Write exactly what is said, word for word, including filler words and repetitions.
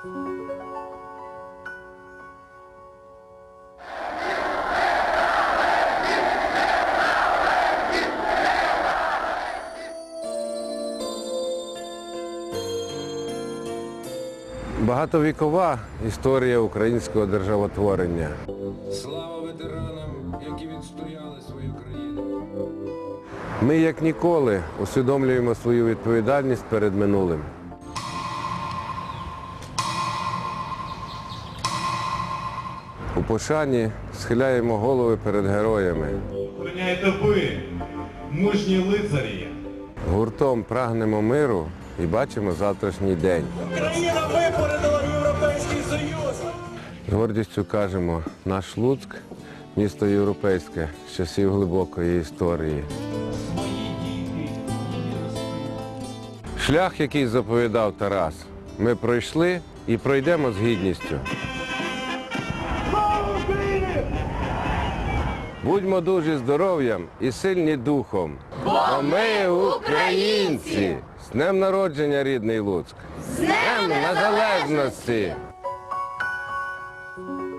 Багатовікова історія українського державотворення. Слава ветеранам, які відстояли свою країну. Ми, як ніколи, усвідомлюємо свою відповідальність перед минулим. У пошані схиляємо голови перед героями. Охороняєте ви, мужні лицарі. Гуртом прагнемо миру і бачимо завтрашній день. Україна випорядила Європейський Союз! З гордістю кажемо, наш Луцьк – місто європейське з часів глибокої історії. Шлях, який заповідав Тарас, ми пройшли і пройдемо з гідністю. Будьмо дуже здоров'ям і сильні духом. Бо ми українці! З днем народження, рідний Луцьк! З днем незалежності!